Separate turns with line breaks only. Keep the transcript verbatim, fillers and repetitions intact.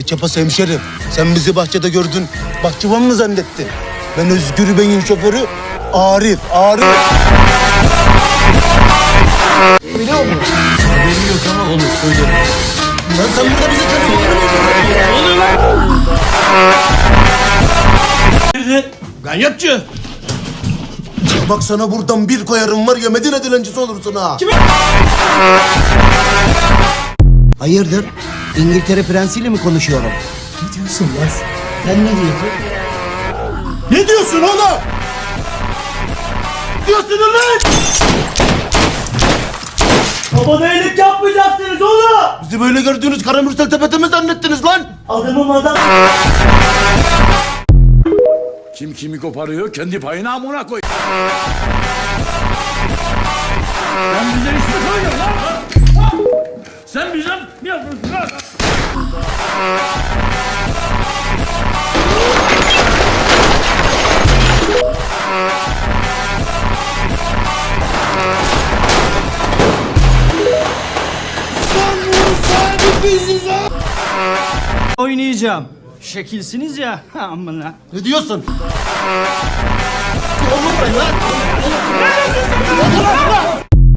Çapası hemşerim, sen bizi bahçede gördün, bahçıvan mı zannettin? Ben Özgür Bey'in şoförü Arif, Arif. Biliyor musun?
Haberi yok ama olur, söylerim.
Lan sen burada bizi tanımıyor musun?
Ne oluyor lan? Nerede? Ganyatçı.
Bak sana buradan bir koyarım var ya, Medine dilencisi olursun ha.
Kime?
Hayırdır? İngiltere prensiyle mi konuşuyorum?
Ne diyorsun lan?
Sen ne diyorsun?
Ne diyorsun oğlum? Diyorsun lan? Babana iyilik yapmayacaksınız oğlum.
Bizi böyle gördüğünüz Karamürsel Tepete mi zannettiniz lan?
Adamım adam.
Kim kimi koparıyor kendi payına amına koy. Sen bize iş mi koyuyorsun lan? Ha? Sen bize mi yapıyorsun lan?
Oynayacağım. Şekilsiniz ya. Amına.
Ne diyorsun?
Ne diyorsun lan?